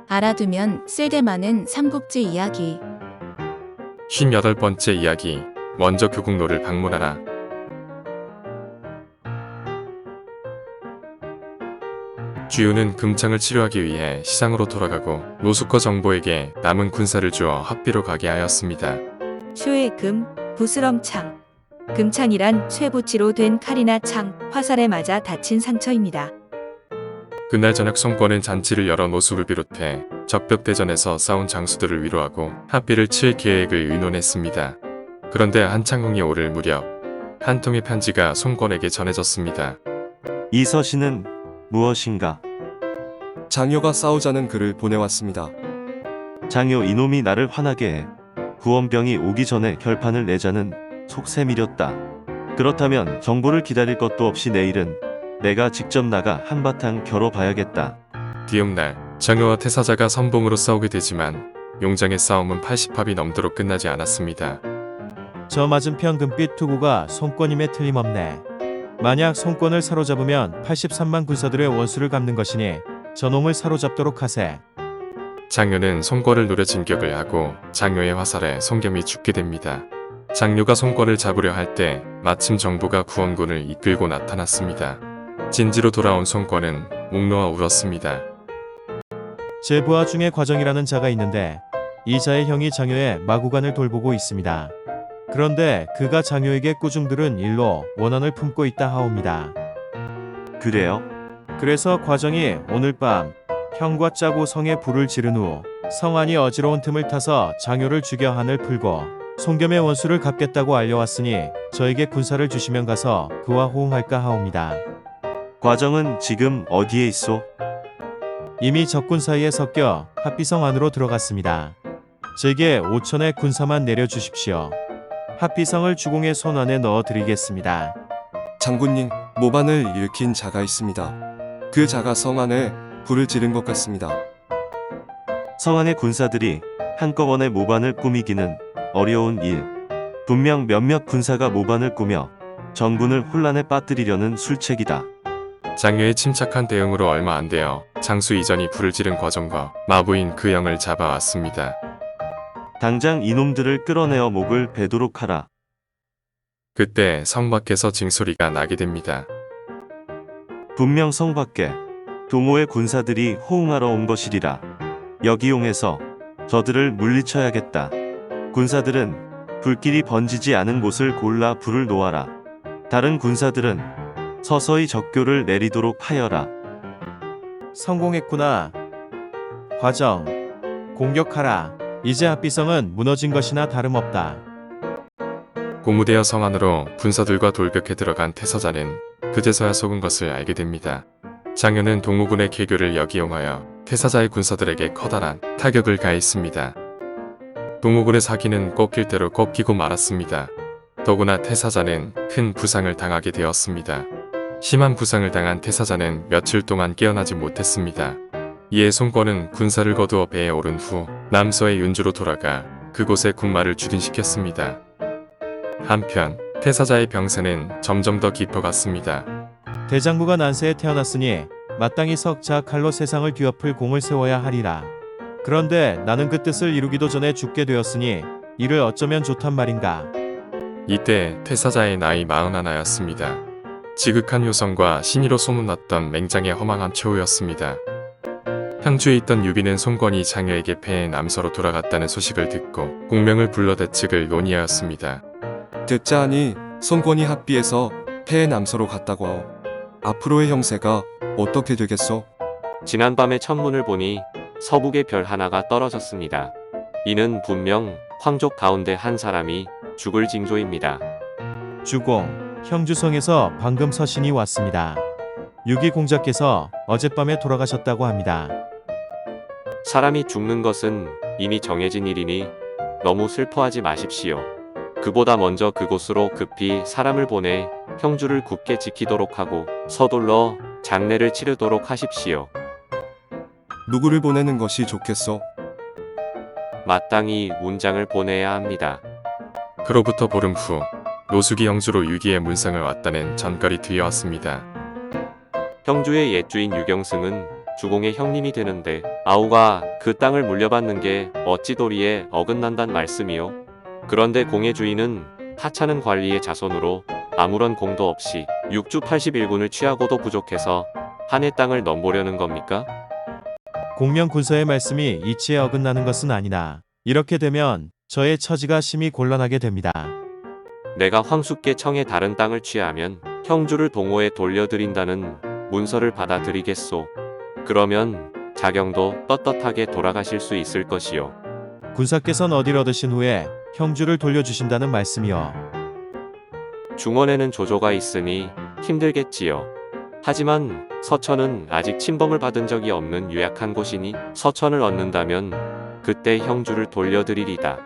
알아두면 쓸데많은 삼국지 이야기. 58번째 이야기. 먼저 교국로를 방문하라. 주유는 금창을 치료하기 위해 시상으로 돌아가고 노숙거 정보에게 남은 군사를 주어 합비로 가게 하였습니다. 슈의 금, 부스럼창. 금창이란 쇠붙이로 된 칼이나 창, 화살에 맞아 다친 상처입니다. 그날 저녁 송권은 잔치를 열어 노숙을 비롯해 적벽대전에서 싸운 장수들을 위로하고 합비를 칠 계획을 의논했습니다. 그런데 한창궁이 오를 무렵 한 통의 편지가 송권에게 전해졌습니다. 이 서신은 무엇인가? 장효가 싸우자는 글을 보내왔습니다. 장효 이놈이 나를 화나게 해. 구원병이 오기 전에 결판을 내자는 속셈이렸다. 그렇다면 정보를 기다릴 것도 없이 내일은 내가 직접 나가 한바탕 겨뤄봐야겠다. 뒤음날 장효와 태사자가 선봉으로 싸우게 되지만 용장의 싸움은 80합이 넘도록 끝나지 않았습니다. 저 맞은편 금빛 투구가 송권임에 틀림없네. 만약 송권을 사로잡으면 83만 군사들의 원수를 갚는 것이니 저놈을 사로잡도록 하세. 장효는 송권을 노려 진격을 하고 장효의 화살에 송겸이 죽게 됩니다. 장효가 송권을 잡으려 할 때 마침 정부가 구원군을 이끌고 나타났습니다. 진지로 돌아온 송권은 목 놓아 울었습니다. 제 부하 중에 과정이라는 자가 있는데 이 자의 형이 장효의 마구간을 돌보고 있습니다. 그런데 그가 장효에게 꾸중 들은 일로 원한을 품고 있다 하옵니다. 그래요? 그래서 과정이 오늘 밤 형과 짜고 성에 불을 지른 후 성안이 어지러운 틈을 타서 장효를 죽여 한을 풀고 송겸의 원수를 갚겠다고 알려왔으니 저에게 군사를 주시면 가서 그와 호응할까 하옵니다. 과정은 지금 어디에 있소? 이미 적군 사이에 섞여 합비성 안으로 들어갔습니다. 제게 5천의 군사만 내려주십시오. 합비성을 주공의 손 안에 넣어드리겠습니다. 장군님, 모반을 일으킨 자가 있습니다. 그 자가 성 안에 불을 지른 것 같습니다. 성안의 군사들이 한꺼번에 모반을 꾸미기는 어려운 일. 분명 몇몇 군사가 모반을 꾸며 정군을 혼란에 빠뜨리려는 술책이다. 장효의 침착한 대응으로 얼마 안 되어 장수 이전이 불을 지른 과정과 마부인 그 영을 잡아왔습니다. 당장 이놈들을 끌어내어 목을 베도록 하라. 그때 성 밖에서 징소리가 나게 됩니다. 분명 성 밖에 동호의 군사들이 호응하러 온 것이리라. 여기용해서 저들을 물리쳐야겠다. 군사들은 불길이 번지지 않은 곳을 골라 불을 놓아라. 다른 군사들은 서서히 적교를 내리도록 하여라. 성공했구나. 과정, 공격하라. 이제 합비성은 무너진 것이나 다름없다. 고무되어 성 안으로 군사들과 돌격해 들어간 태서자는 그제서야 속은 것을 알게 됩니다. 장효는 동호군의 계교를 역이용하여 태사자의 군사들에게 커다란 타격을 가했습니다. 동호군의 사기는 꺾일 대로 꺾이고 말았습니다. 더구나 태사자는 큰 부상을 당하게 되었습니다. 심한 부상을 당한 태사자는 며칠 동안 깨어나지 못했습니다. 이에 송권은 군사를 거두어 배에 오른 후 남서의 윤주로 돌아가 그곳에 군마를 주둔시켰습니다. 한편 태사자의 병세는 점점 더 깊어갔습니다. 대장부가 난세에 태어났으니 마땅히 석자 칼로 세상을 뒤엎을 공을 세워야 하리라. 그런데 나는 그 뜻을 이루기도 전에 죽게 되었으니 이를 어쩌면 좋단 말인가. 이때 태사자의 나이 41였습니다. 지극한 효성과 신의로 소문났던 맹장의 허망한 최후였습니다. 향주에 있던 유비는 송권이 장효에게 패해 남서로 돌아갔다는 소식을 듣고 공명을 불러 대책을 논의하였습니다. 듣자 하니 송권이 합비에서 패해 남서로 갔다고 하오. 앞으로의 형세가 어떻게 되겠소? 지난밤에 천문을 보니 서북에 별 하나가 떨어졌습니다. 이는 분명 황족 가운데 한 사람이 죽을 징조입니다. 주공, 형주성에서 방금 서신이 왔습니다. 유기 공자께서 어젯밤에 돌아가셨다고 합니다. 사람이 죽는 것은 이미 정해진 일이니 너무 슬퍼하지 마십시오. 그보다 먼저 그곳으로 급히 사람을 보내 형주를 굳게 지키도록 하고 서둘러 장례를 치르도록 하십시오. 누구를 보내는 것이 좋겠소? 마땅히 문장을 보내야 합니다. 그로부터 보름 후 노숙이 형주로 유기의 문상을 왔다는 전갈이 들려왔습니다. 형주의 옛주인 유경승은 주공의 형님이 되는데 아우가 그 땅을 물려받는 게 어찌 도리에 어긋난단 말씀이요? 그런데 공의 주인은 하찮은 관리의 자손으로 아무런 공도 없이 6주 81군을 취하고도 부족해서 한해 땅을 넘보려는 겁니까? 공명 군서의 말씀이 이치에 어긋나는 것은 아니나 이렇게 되면 저의 처지가 심히 곤란하게 됩니다. 내가 황숙계 청의 다른 땅을 취하면 형주를 동호에 돌려드린다는 문서를 받아들이겠소. 그러면 자경도 떳떳하게 돌아가실 수 있을 것이요. 군사께서는 어디를 얻으신 후에 형주를 돌려주신다는 말씀이요. 중원에는 조조가 있으니 힘들겠지요. 하지만 서천은 아직 침범을 받은 적이 없는 유약한 곳이니 서천을 얻는다면 그때 형주를 돌려드리리다.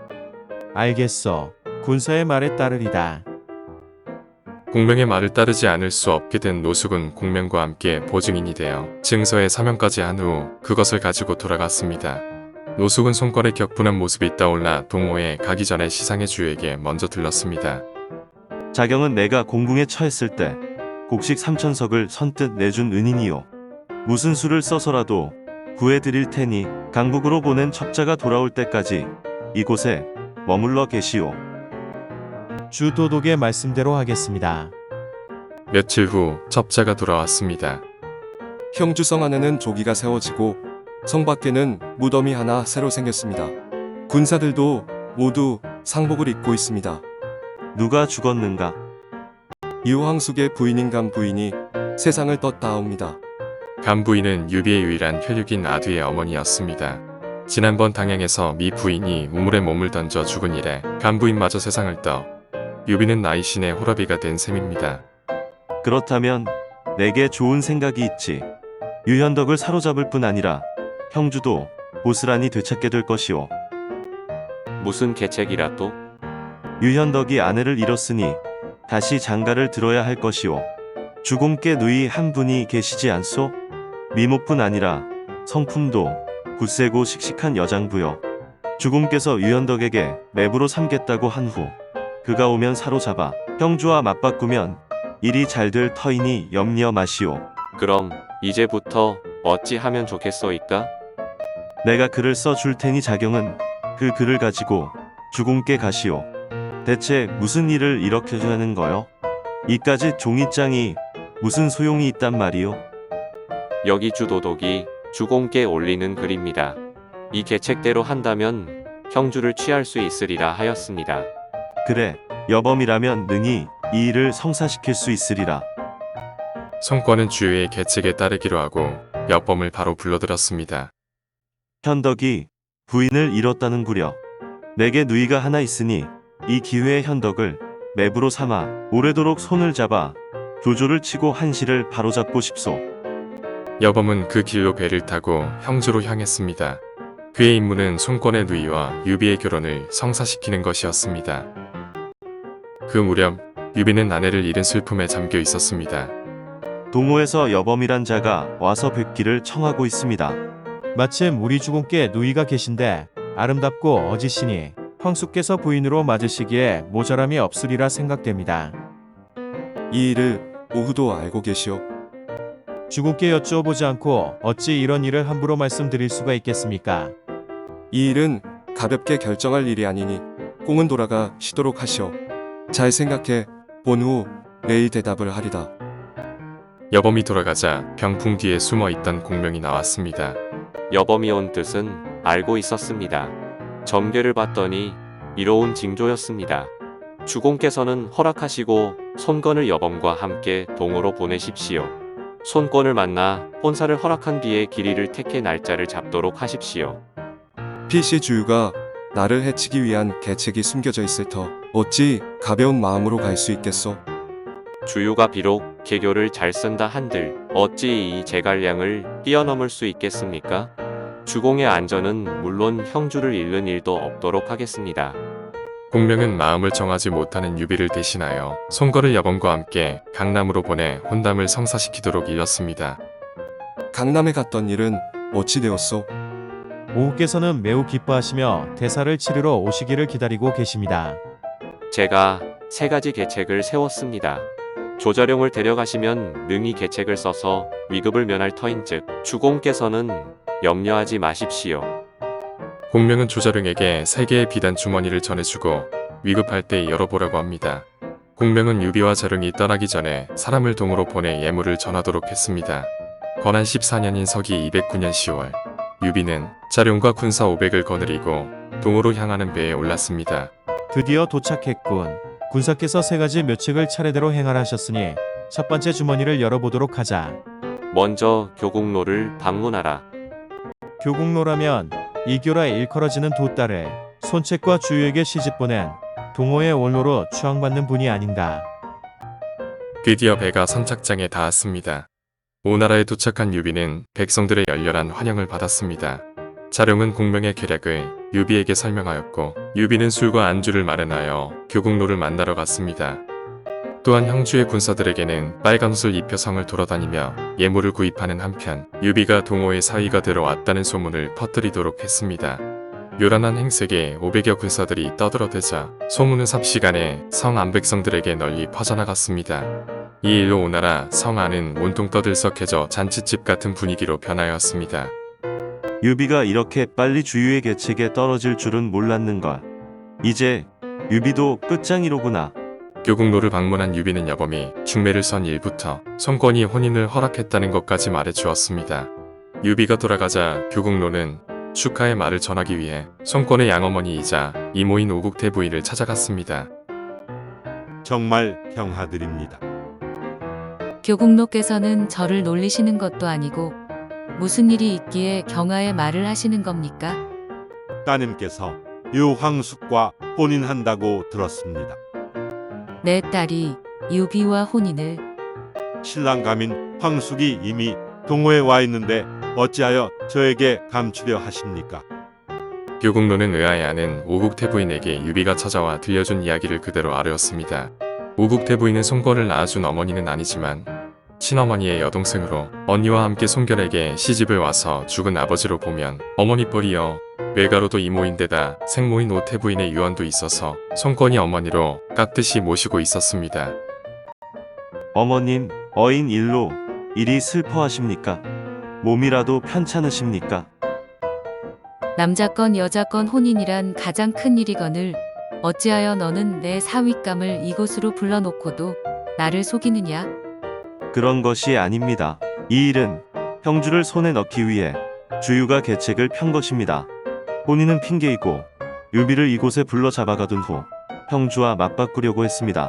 알겠소. 군사의 말에 따르리다. 공명의 말을 따르지 않을 수 없게 된 노숙은 공명과 함께 보증인이 되어 증서에 사명까지 한 후 그것을 가지고 돌아갔습니다. 노숙은 손권의 격분한 모습이 떠올라 동호에 가기 전에 시상의 주에게 먼저 들렀습니다. 자경은 내가 공궁에 처했을 때 곡식 3천석을 선뜻 내준 은인이요. 무슨 수를 써서라도 구해드릴 테니 강북으로 보낸 첩자가 돌아올 때까지 이곳에 머물러 계시오. 주 도독의 말씀대로 하겠습니다. 며칠 후 첩자가 돌아왔습니다. 형주성 안에는 조기가 세워지고 성 밖에는 무덤이 하나 새로 생겼습니다. 군사들도 모두 상복을 입고 있습니다. 누가 죽었는가? 이황숙의 부인인 감 부인이 세상을 떴다옵니다. 간 부인은 유비의 유일한 혈육인 아두의 어머니였습니다. 지난번 당양에서 미 부인이 우물에 몸을 던져 죽은 이래 간 부인마저 세상을 떠 유비는 나이신의 호라비가 된 셈입니다. 그렇다면 내게 좋은 생각이 있지. 유현덕을 사로잡을 뿐 아니라 형주도 고스란히 되찾게 될 것이오. 무슨 계책이라 또? 유현덕이 아내를 잃었으니 다시 장가를 들어야 할 것이오. 주공께 누이 한 분이 계시지 않소? 미모뿐 아니라 성품도 굳세고 씩씩한 여장부여. 주공께서 유현덕에게 매부로 삼겠다고 한 후 그가 오면 사로잡아 형주와 맞바꾸면 일이 잘 될 터이니 염려 마시오. 그럼 이제부터 어찌 하면 좋겠소이까? 내가 글을 써 줄 테니 자경은 그 글을 가지고 주공께 가시오. 대체 무슨 일을 이렇게 하는 거요? 이까지 종이장이 무슨 소용이 있단 말이오? 여기 주도독이 주공께 올리는 글입니다. 이 계책대로 한다면 형주를 취할 수 있으리라 하였습니다. 그래, 여범이라면 능히 이 일을 성사시킬 수 있으리라. 손권은 주의 계책에 따르기로 하고 여범을 바로 불러들었습니다. 현덕이 부인을 잃었다는구려. 내게 누이가 하나 있으니 이 기회에 현덕을 매부로 삼아 오래도록 손을 잡아 조조를 치고 한시를 바로잡고 싶소. 여범은 그 길로 배를 타고 형주로 향했습니다. 그의 임무는 손권의 누이와 유비의 결혼을 성사시키는 것이었습니다. 그 무렵 유비는 아내를 잃은 슬픔에 잠겨 있었습니다. 동호에서 여범이란 자가 와서 뵙기를 청하고 있습니다. 마침 우리 주공께 누이가 계신데 아름답고 어지시니 황숙께서 부인으로 맞으시기에 모자람이 없으리라 생각됩니다. 이 일을 오후도 알고 계시오. 주공께 여쭈어보지 않고 어찌 이런 일을 함부로 말씀드릴 수가 있겠습니까? 이 일은 가볍게 결정할 일이 아니니 공은 돌아가 쉬도록 하시오. 잘 생각해 본 후 내일 대답을 하리다. 여범이 돌아가자 병풍 뒤에 숨어 있던 공명이 나왔습니다. 여범이 온 뜻은 알고 있었습니다. 점괘를 봤더니 이로운 징조였습니다. 주공께서는 허락하시고 손권을 여범과 함께 동으로 보내십시오. 손권을 만나 혼사를 허락한 뒤에 길이를 택해 날짜를 잡도록 하십시오. 필시 주유가 나를 해치기 위한 계책이 숨겨져 있을 터 어찌 가벼운 마음으로 갈 수 있겠소? 주유가 비록 계교를 잘 쓴다 한들 어찌 이 제갈량을 뛰어넘을 수 있겠습니까? 주공의 안전은 물론 형주를 잃는 일도 없도록 하겠습니다. 공명은 마음을 정하지 못하는 유비를 대신하여 손권을 여범과 함께 강남으로 보내 혼담을 성사시키도록 일렀습니다. 강남에 갔던 일은 어찌 되었소? 오후께서는 매우 기뻐하시며 대사를 치르러 오시기를 기다리고 계십니다. 제가 3가지 계책을 세웠습니다. 조자룡을 데려가시면 능히 계책을 써서 위급을 면할 터인즉 주공께서는 염려하지 마십시오. 공명은 조자룡에게 3개의 비단 주머니를 전해주고 위급할 때 열어보라고 합니다. 공명은 유비와 자룡이 떠나기 전에 사람을 동으로 보내 예물을 전하도록 했습니다. 건한 14년인 서기 209년 10월 유비는 자룡과 군사 500을 거느리고 동으로 향하는 배에 올랐습니다. 드디어 도착했군. 군사께서 3가지 묘책을 차례대로 행하라셨으니 첫 번째 주머니를 열어보도록 하자. 먼저 교국로를 방문하라. 교국로라면 이교라 일컬어지는 두 딸을 손책과 주유에게 시집보낸 동호의 원로로 추앙받는 분이 아닌가. 드디어 배가 선착장에 닿았습니다. 오나라에 도착한 유비는 백성들의 열렬한 환영을 받았습니다. 자룡은 공명의 계략을 유비에게 설명하였고 유비는 술과 안주를 마련하여 교국로를 만나러 갔습니다. 또한 형주의 군사들에게는 빨간 옷을 입혀 성을 돌아다니며 예물을 구입하는 한편 유비가 동호의 사위가 들어왔다는 소문을 퍼뜨리도록 했습니다. 요란한 행색에 500여 군사들이 떠들어대자 소문은 삽시간에 성 안 백성들에게 널리 퍼져나갔습니다. 이 일로 오나라 성 안은 온통 떠들썩해져 잔치집 같은 분위기로 변하였습니다. 유비가 이렇게 빨리 주유의 계책에 떨어질 줄은 몰랐는걸. 이제 유비도 끝장이로구나. 교국로를 방문한 유비는 여범이 중매를 선 일부터 성권이 혼인을 허락했다는 것까지 말해주었습니다. 유비가 돌아가자 교국로는 축하의 말을 전하기 위해 성권의 양어머니이자 이모인 오국태 부인을 찾아갔습니다. 정말 경하드립니다. 교국로께서는 저를 놀리시는 것도 아니고 무슨 일이 있기에 경하의 말을 하시는 겁니까? 따님께서 유황숙과 혼인한다고 들었습니다. 내 딸이 유비와 혼인을. 신랑감인 황숙이 이미 동호에 와 있는데 어찌하여 저에게 감추려 하십니까? 교국로는 의아해 하는 오국태 부인에게 유비가 찾아와 들려준 이야기를 그대로 아뢰었습니다. 오국태 부인은 송권을 낳아준 어머니는 아니지만 친어머니의 여동생으로 언니와 함께 송결에게 시집을 와서 죽은 아버지로 보면 어머니 뻘이여 외가로도 이모인데다 생모인 오태 부인의 유언도 있어서 송권이 어머니로 깍듯이 모시고 있었습니다. 어머님, 어인 일로 이리 슬퍼하십니까? 몸이라도 편찮으십니까? 남자건 여자건 혼인이란 가장 큰 일이거늘 어찌하여 너는 내 사윗감을 이곳으로 불러놓고도 나를 속이느냐? 그런 것이 아닙니다. 이 일은 형주를 손에 넣기 위해 주유가 계책을 편 것입니다. 혼인은 핑계이고 유비를 이곳에 불러 잡아가둔 후 형주와 맞바꾸려고 했습니다.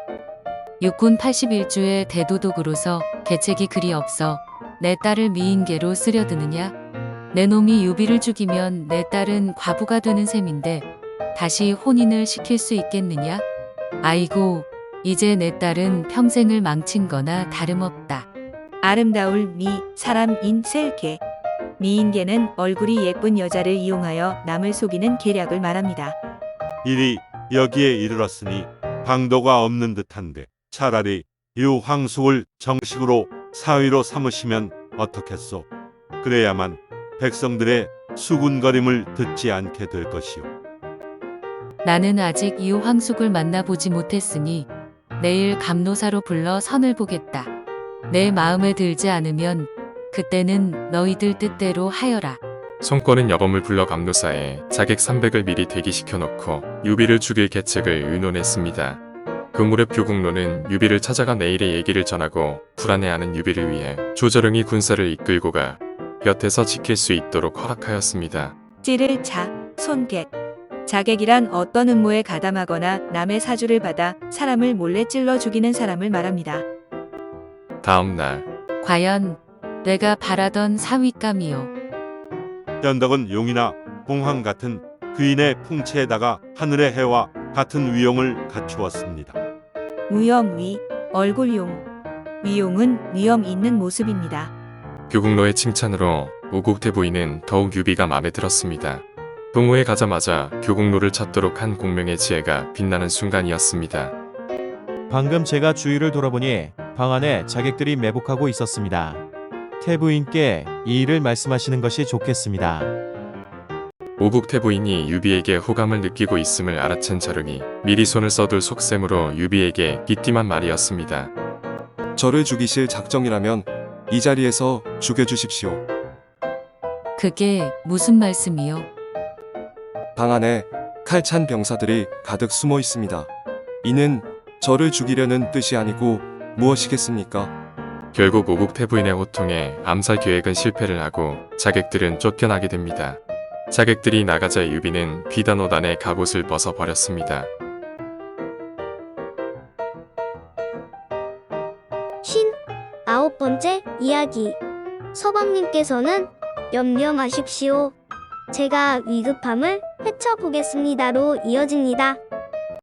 육군 81주의 대도독으로서 계책이 그리 없어 내 딸을 미인계로 쓰려드느냐? 내 놈이 유비를 죽이면 내 딸은 과부가 되는 셈인데 다시 혼인을 시킬 수 있겠느냐? 아이고, 이제 내 딸은 평생을 망친 거나 다름없다. 아름다울 미, 사람인 셀개. 미인계는 얼굴이 예쁜 여자를 이용하여 남을 속이는 계략을 말합니다. 일이 여기에 이르렀으니 방도가 없는 듯한데 차라리 유황숙을 정식으로 사위로 삼으시면 어떻겠소? 그래야만 백성들의 수군거림을 듣지 않게 될 것이오. 나는 아직 이황숙을 만나보지 못했으니 내일 감노사로 불러 선을 보겠다. 내 마음에 들지 않으면 그때는 너희들 뜻대로 하여라. 송권은 여범을 불러 감노사에 자객 300을 미리 대기시켜 놓고 유비를 죽일 계책을 의논했습니다. 그 무렵 교국로는 유비를 찾아가 내일의 얘기를 전하고 불안해하는 유비를 위해 조자룡이 군사를 이끌고 가 곁에서 지킬 수 있도록 허락하였습니다. 찌를 자, 손객. 자객이란 어떤 음모에 가담하거나 남의 사주를 받아 사람을 몰래 찔러 죽이는 사람을 말합니다. 다음 날 과연 내가 바라던 사윗감이요. 변덕은 용이나 공황 같은 그인의 풍채에다가 하늘의 해와 같은 위용을 갖추었습니다. 무염위, 얼굴용. 위용은 위험 있는 모습입니다. 교국로의 칭찬으로 오국태 부인은 더욱 유비가 마음에 들었습니다. 동호에 가자마자 교국로를 찾도록 한 공명의 지혜가 빛나는 순간이었습니다. 방금 제가 주위를 돌아보니 방 안에 자객들이 매복하고 있었습니다. 태부인께 이 일을 말씀하시는 것이 좋겠습니다. 오국태 부인이 유비에게 호감을 느끼고 있음을 알아챈 자룡이 미리 손을 써둘 속셈으로 유비에게 빗띠만 말이었습니다. 저를 죽이실 작정이라면 이 자리에서 죽여주십시오. 그게 무슨 말씀이요? 방 안에 칼찬 병사들이 가득 숨어 있습니다. 이는 저를 죽이려는 뜻이 아니고 무엇이겠습니까? 결국 오국 태부인의 호통에 암살 계획은 실패를 하고 자객들은 쫓겨나게 됩니다. 자객들이 나가자 유비는 비단 옷 안에 갑옷을 벗어버렸습니다. 59번째 이야기. 서방님께서는 염려 마십시오. 제가 위급함을 헤쳐보겠습니다로 이어집니다.